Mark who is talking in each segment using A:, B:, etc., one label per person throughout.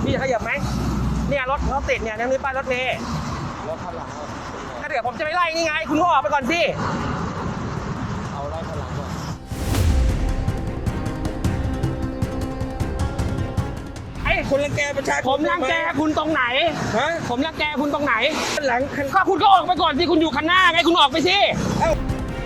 A: พี่จะขยับไหมเนี่ยรถเขาติดเนี่ยนั่นนี่ป้ายรถเมล์
B: แล้วข้างหลัง
A: ถ้าเดี๋ยวผมจะไปไล่นี่ไงคุณก็ออกไปก่อนสิ
B: เอาไล่ข้างหลังก่อน
A: ไอ้
B: คนรังแกประชาชน
A: ผมรังแกคุณตรงไหน
B: ฮะ
A: ผมรังแกคุณตรงไหน
B: ข้างหลังคัน
A: ก็คุณก็ออกไปก่อนสิคุณอยู่คันหน้าไงคุณออกไปสิ
B: เอ้า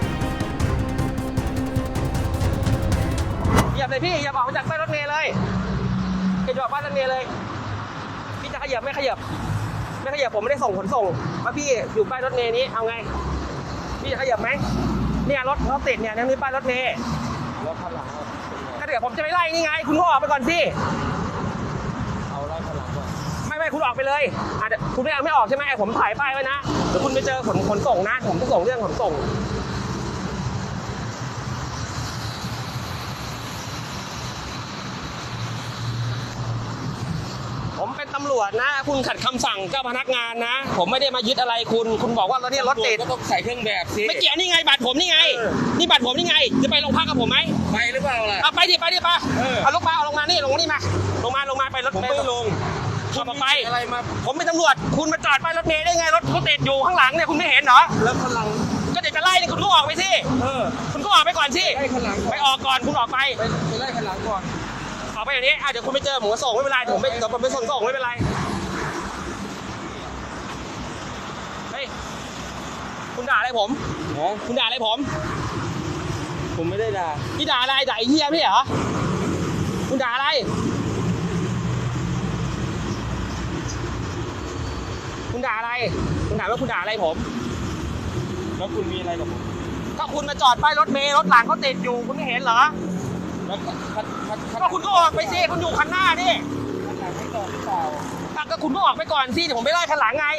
A: เหยียบเลยพี่อย่าออกมาจากป้ายรถเมล์เลยอย่าออกป้ายรถเมล์เลยพี่จะขยับไม่ขยับไม่ขยับผมไม่ได้ส่งขนส่งว่าพี่อยู่ป้ายรถเมล์นี้เอาไงพี่จะขยับไหมเนี่ยรถเขาติดเนี่ยนั่นนี่ป้ายรถเมล์
B: แล้วข้างหลัง
A: ถ้าเดี๋ยวผมจะไปไล่นี่ไงคุณก็ออกไปก่อนสิ
B: เอาไล่ข้างหลังก่อน
A: ไม่คุณออกไปเลยเดี๋ยวคุณไม่ออกใช่ไหมผมถ่ายป้ายไว้นะเดี๋ยวคุณไปเจอขนส่งนะผมจะส่งเรื่องขนส่งผมเป็นตำรวจนะคุณขัดคำสั่งเจ้าพนักงานนะผมไม่ได้มายึดอะไรคุณบอกว่ารถนี่รถติด
B: ก็ต้องใส่เครื่องแบบสิ
A: ไม่เกี่ยวนี่ไงบัตรผมนี่ไงนี่บัตรผมนี่ไงจะไปโรงพักกับผมไหม
B: ไปหรือเปล่าล่ะ
A: เอาไปดิไปเอาลงมานี่ลงนี่มาลงมาไปรถ
B: ผมไม่ลง
A: ขับออกไป
B: อะไรมา
A: ผมเป็นตำรวจคุณมาจอดป้ายรถเมล์ได้ไงรถเขาติดอยู่ข้างหลังเนี่ยคุณไม่เห็นเหรอ
B: แล้วข้างหลัง
A: ก็เดี๋ยวจะไล่เนี่ยคุณก็ออกไปสิ คุณก็ออกไปก่อนสิ
B: ไล่ข้างหลัง
A: ไปออกก่อนคุณออกไป
B: ไปไล่ข้างหลังก่อน
A: ออกไปอย่างนี้เดี๋ยวคุณไปเจอผมก็ส่งไม่เป็นไรเดี๋ยวผมไปส่งไม่เป็นไรเฮ้ยคุณด่าอะไรผมคุณด่าอะไรผม
B: ผมไม่ได้ด่า
A: พี่ด่าอะไรด่าไอ้เหี้ยพี่เหรอคุณด่าอะไรคุณด่าอะไรคุณถามว่าคุณด่าอะไรผม
B: แล้วคุณมีอะไรกับผม
A: ก็คุณมาจอดป้ายรถเมล์รถหลังเขาติดอยู่คุณไม่เห็นเหรอ
B: แล้ว
A: ก็คุณก็ออกไปสิคุณอยู่คันหน้านี่
B: ข้างหลังไม่ต่อหรือเปล่า
A: ก็คุณก็ออกไปก่อนสิเดี๋ยวผมไปไล่คันหลังไง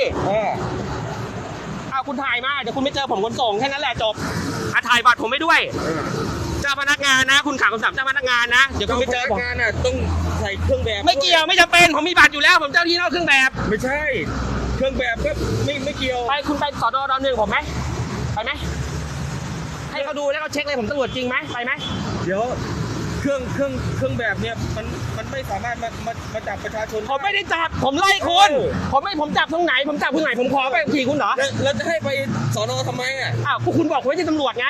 A: เอาคุณถ่ายมาเดี๋ยวคุณไม่เจอผมขนส่งแค่นั้นแหละจบถ่ายบัตรผมไปด้วยเจ้าพนักงานนะคุณขับคำสั่งเจ้าพนักงานนะเดี๋ยวคุณไม่เจอผม
B: งานน่ะต้องใส่เครื่องแบบ
A: ไม่เกี่ยวไม่จำเป็นผมมีบัตรอยู่แล้วผมเจ้าที่นอกเครื่องแบบ
B: ไม่ใช่ เครื่องแบบก็ไม่เกี่ยว
A: ไปคุณไปสดหนึ่งผมไหมไปไหมให้เขาดูแล้วเขาเช็คเลยผมตำรวจจริงไหมไปไหม
B: เดี๋ยวเครื่องแบบเนี่ยมันไม่สามารถมาจับประชาชน
A: ผมไม่ได้จับผมไล่คุณผมจับตรงไหนผมจับคุณไหนผมขอไปขี่คุณเหรอ
B: แล้วจะให้ไปสนทำไมอ่ะ
A: อ้าวคุณบอกผมไม่ใช่ตำรวจไง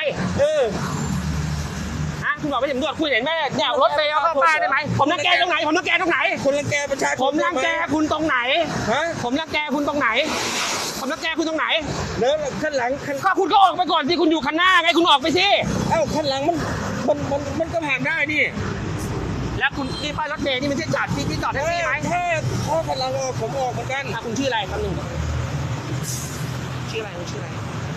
A: คุณบอกไม่ใช่ตำรวจคุณเห็นไหมเนี่ยรถเมล์เอาเข้าป้ายได้ไหมผมรังแกตรงไหนผมรังแกตรงไหน
B: คนรังแกประชาชน
A: ผมรังแกคุณตรงไหน
B: ฮะ
A: ผมรังแกคุณตรงไหนผมรังแกคุณตรงไหน
B: แล้วข้างหลัง
A: ก็คุณก็ออกไปก่อนสิคุณอยู่คันหน้าไงคุณออกไปสิ
B: เอ้าข้างหลังมันก็ผ่านได้นี่
A: แล้วคุณนี่ป้ายรถเมล์นี่มันที่จอดที่จอดแท็กซี่ไหม
B: ถ้าข้างหลังออกผมออกเหมือนกัน
A: คุณชื่ออะไรคำหนึ่งชื่ออะไรคุณชื่ออะไร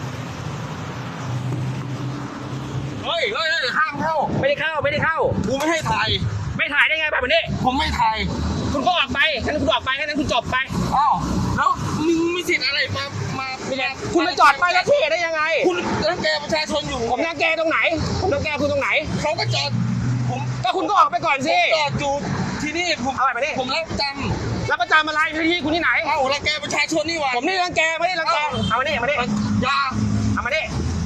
A: เฮ้ยห้ามเข้าไม่ได้เข้า
B: กูไม่ให้ถ่าย
A: ไม่ถ่ายได้ไงแบบนี้
B: ผมไม่ถ่าย
A: คุณก็ออกไปแค่นั้นคุณออกไปแค่นั้นคุณจบไป
B: อ้าวแล้วมึงมีสิทธิ์อะไรมา
A: คุณมาจอดป้ายรถเมล์ได้ยังไง
B: คุณรังแกประชาชนอยู่
A: ผมรังแกตรงไหนผมรังแกคุณตรงไหน
B: เขาก็จอดผม
A: ก็คุณก็ออกไปก่อนสิ
B: จอดอยู่ที่นี่ผม
A: เอาไปดิ
B: ผมรับประจ
A: แล้วประจำอะไรที่คุณที่ไหน
B: ำเอ้ารังแกประชาชนนี่หว่า
A: ผมนี่รังแกไม่ได้รังแกเอามาดิเอามาดิ
B: อย่า
A: เอามาดิ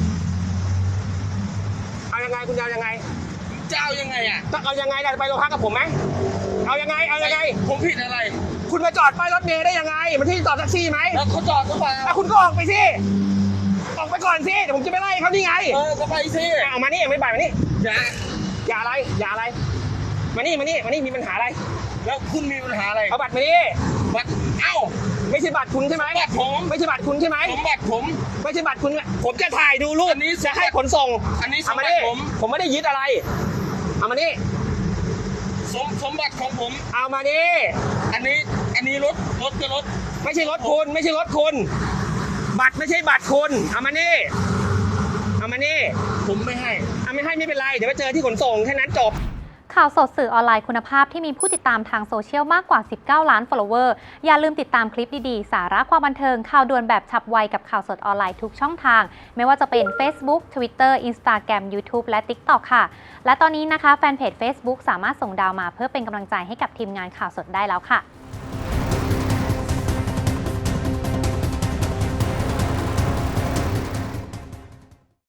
A: เอายังไงคุณจะเอายังไง
B: เจ้ายังไงอ่ะ
A: ต้องเอายังไงไปโรงพักกับผมไหมเอายังไง
B: ผมผิดอะไร
A: คุณมาจอดป้ายรถเมล์ได้ยังไงมันที่จอดแท็กซี่ไหม
B: แล้วเขาจอดหรือเปล่า
A: คุณก็ออกไปสิออกไปก่อนสิเดี๋ยวผมจะไปไล่เขานี่ไง
B: ก็ไปสิ
A: เอามานี่ไม่บ่ายมานี่
B: อย่า
A: อย่าอะไรมานี่มีปัญหาอะไร
B: แล้วคุณมีปัญหาอะไร
A: เอาบัตรมานี่
B: บัตรเอ้า
A: ไม่ใช่บัตรคุณใช่ไหม
B: บัตรผม
A: ไม่ใช่บัตรคุณใช่ไหม
B: บัตรผม
A: ไม่ใช่บัตรคุณผมจะถ่ายดูรูป
B: อันนี้
A: จะให้ขนส่ง
B: อันนี้ส
A: เอา
B: ม
A: มา
B: บั
A: ดิ
B: ติผม
A: ผมไม่ได้ยึดอะไรเอามานี่
B: สมบัติของผม
A: เอามานี่
B: อันนี้รถก็รถ
A: ไม่ใช่รถคุณบัตรไม่ใช่บัตรคุณเอามานี่
B: ผมไม่ให้
A: เอาไม่ให้ไม่เป็นไรเดี๋ยวไปเจอที่ขนส่งแค่นั้นจบ
C: ข่าวสดสื่อออนไลน์คุณภาพที่มีผู้ติดตามทางโซเชียลมากกว่า 19 ล้าน follower อย่าลืมติดตามคลิปดีๆ สาระความบันเทิง ข่าวด่วนแบบฉับไวกับข่าวสดออนไลน์ทุกช่องทาง ไม่ว่าจะเป็น Facebook Twitter Instagram YouTube และ TikTok ค่ะ และตอนนี้นะคะแฟนเพจ Facebook สามารถส่งดาวมาเพื่อเป็นกำลังใจให้กับทีมงานข่าวสดได้แล้วค่ะ